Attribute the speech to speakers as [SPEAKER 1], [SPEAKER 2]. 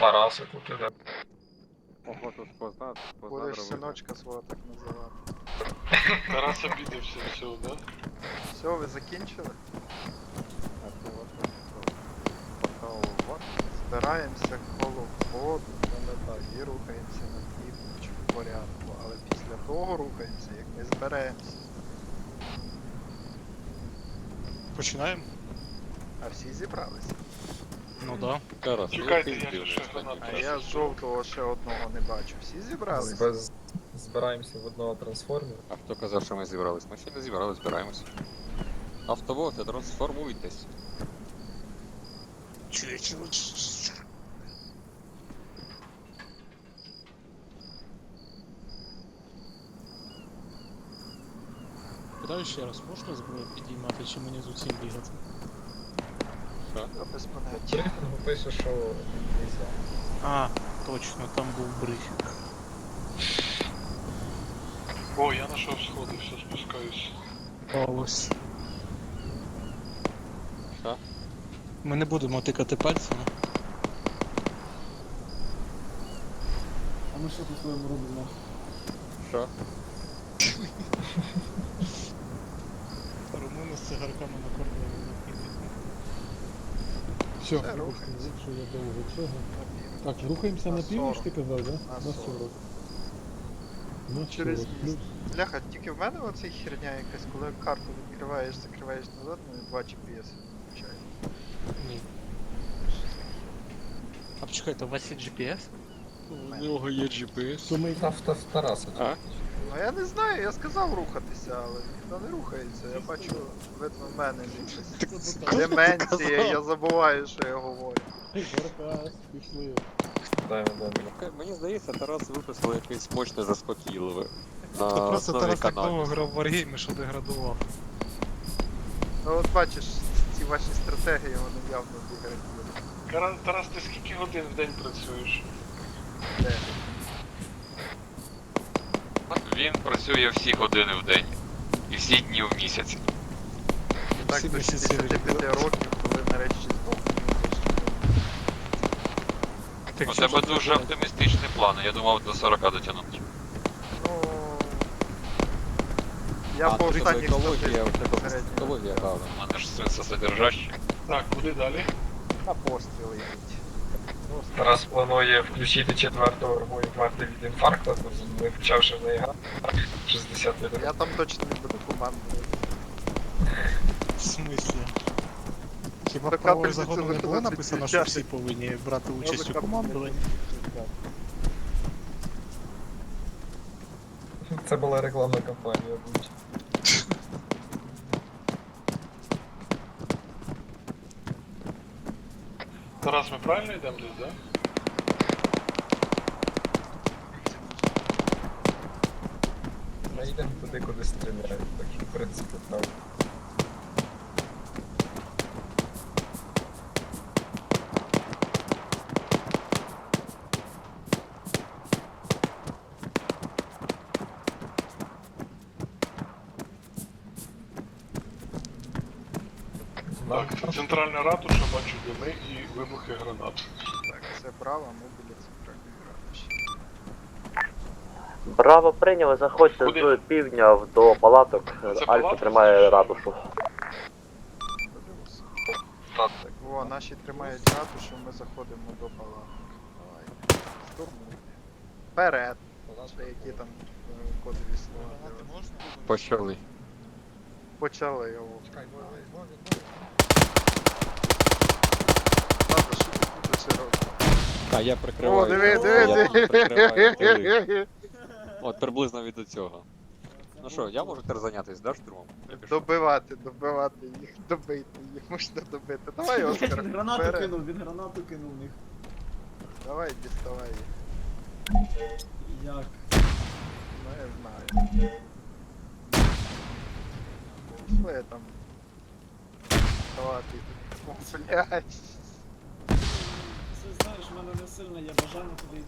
[SPEAKER 1] Тарасику піде.
[SPEAKER 2] Охоту спознати,
[SPEAKER 3] Будеш синочка свого так називати.
[SPEAKER 4] Тарас обідався всього, да?
[SPEAKER 3] Все, ви закінчили? Збираємося коло входу, і рухаємося на північ в порядку, але після того рухаємося, як ми зберемося.
[SPEAKER 5] Починаємо?
[SPEAKER 3] А всі зібралися.
[SPEAKER 5] Ну да.
[SPEAKER 2] Тарас,
[SPEAKER 4] Чекайте, я ще гранату.
[SPEAKER 3] А я з жовтого ще одного не бачу. Всі зібралися?
[SPEAKER 1] Збираємося в одного трансформера.
[SPEAKER 2] А хто казав, що ми зібрались? Ми ще не зібрались, збираємось. Автоботи, трансформуйтесь.
[SPEAKER 5] Питаю ще раз, можна зброю підіймати чи мені з усім бігати?
[SPEAKER 3] Я без
[SPEAKER 1] В
[SPEAKER 3] поняття.
[SPEAKER 1] брифінгу пише, що нельзя.
[SPEAKER 5] А, точно, там був брифінг.
[SPEAKER 4] О, я знайшов сходи, все, спускаюсь.
[SPEAKER 5] Ось.
[SPEAKER 2] Що?
[SPEAKER 5] Ми не будемо тикати пальцями.
[SPEAKER 6] А ми що по-своєму робимо?
[SPEAKER 2] Що?
[SPEAKER 5] Румуни з цигарками на кордоні.
[SPEAKER 6] Все,
[SPEAKER 3] Все, рухаємося.
[SPEAKER 6] що я довго цього.
[SPEAKER 3] На
[SPEAKER 6] Так, рухаємося
[SPEAKER 3] На
[SPEAKER 6] на північ,
[SPEAKER 3] 40.
[SPEAKER 6] ти казав, да?
[SPEAKER 3] На
[SPEAKER 6] На
[SPEAKER 3] 40.
[SPEAKER 6] 40. На
[SPEAKER 3] Через
[SPEAKER 6] 40
[SPEAKER 3] міст.
[SPEAKER 6] плюс.
[SPEAKER 3] Бляха, тільки в мене оцей херня якась, коли карту відкриваєш, закриваєш назад, ну 2 GPS включає.
[SPEAKER 5] Ні. А почекайте, у вас є GPS?
[SPEAKER 3] У
[SPEAKER 5] нього є GPS.
[SPEAKER 6] То ми
[SPEAKER 1] Та в Тараса.
[SPEAKER 2] А?
[SPEAKER 3] Ну я не знаю, я сказав рухатися, але ніхто не рухається. Я бачу, видно, в мене якась деменція, я забуваю, що я говорю.
[SPEAKER 6] Баркас, пішли.
[SPEAKER 1] Даємо.
[SPEAKER 2] Мені здається, Тарас виписав якесь мощне заспокійливе.
[SPEAKER 5] Та
[SPEAKER 2] На
[SPEAKER 5] просто
[SPEAKER 2] основі
[SPEAKER 5] Тарас так довго
[SPEAKER 2] каналу.
[SPEAKER 5] грав в Wargame, що деградував.
[SPEAKER 3] Ну от бачиш, ці ваші стратегії, вони явно деградують.
[SPEAKER 4] Тарас, ти скільки годин в день працюєш?
[SPEAKER 3] Де?
[SPEAKER 7] Він працює всі години в день і всі дні в місяць.
[SPEAKER 3] І так
[SPEAKER 5] Всі
[SPEAKER 3] до
[SPEAKER 5] місяці
[SPEAKER 3] 65 років, коли нарешті здохнуть.
[SPEAKER 7] У тебе дуже оптимістичні плани, я думав до 40 дотягнути.
[SPEAKER 3] Ну... Я по
[SPEAKER 2] ти
[SPEAKER 3] останніх
[SPEAKER 2] екологія, у тебе
[SPEAKER 3] статистиках середньо.
[SPEAKER 2] екологія, да.
[SPEAKER 7] У мене ж сенсосодержащі.
[SPEAKER 4] Так, куди далі?
[SPEAKER 3] На постріли йдуть.
[SPEAKER 1] Тарас планує включити четверту армію варти від інфаркту, не почавши в неї грати. 60 років.
[SPEAKER 3] Я там точно не буду командувати.
[SPEAKER 5] В смислі? Хіба
[SPEAKER 3] Та
[SPEAKER 5] в правових
[SPEAKER 3] капельницю
[SPEAKER 5] законах не було
[SPEAKER 3] виходить
[SPEAKER 5] написано, що
[SPEAKER 3] включати.
[SPEAKER 5] всі повинні брати участь у командуванні?
[SPEAKER 1] Це була рекламна кампанія.
[SPEAKER 4] Тарас, ми правильно йдемо десь, да?
[SPEAKER 1] Ми йдемо туди, куди стріляють, так що в принципі правда.
[SPEAKER 4] Так, центральна ратуша, бачу дими і вибухи гранат.
[SPEAKER 3] Так, це право, ми біля центральної ратуші.
[SPEAKER 8] Браво прийняли, заходьте
[SPEAKER 4] Куди?
[SPEAKER 8] з півдня до палаток.
[SPEAKER 4] Це
[SPEAKER 8] Альфа
[SPEAKER 4] палатки?
[SPEAKER 8] тримає ратушу.
[SPEAKER 3] Подивимося.
[SPEAKER 1] Так.
[SPEAKER 3] Так, о, наші тримають ратушу, ми заходимо до палаток. Давай. Штурмуй. Вперед. Чи які там кодові слова. дивись.
[SPEAKER 2] Почали.
[SPEAKER 3] Почали його. Ладно, що ти будеш робити?
[SPEAKER 2] А я прикриваю.
[SPEAKER 3] О, диви,
[SPEAKER 2] Я
[SPEAKER 3] диви,
[SPEAKER 2] прикриваю тили.
[SPEAKER 3] диви.
[SPEAKER 2] От приблизно від цього. Ну що, я можу тепер зайнятися, да, штурмом? Я пішов.
[SPEAKER 3] Добивати їх, добити їх, можна добити. Давай, Оскар,
[SPEAKER 6] Він гранату
[SPEAKER 3] вперед.
[SPEAKER 6] кинув, він гранату кинув в них.
[SPEAKER 3] Давай, діставай їх.
[SPEAKER 6] Як?
[SPEAKER 3] Ну, я знаю. Що я там? Давати. О, блядь.
[SPEAKER 6] Це знаєш, в мене не сильно є бажання туди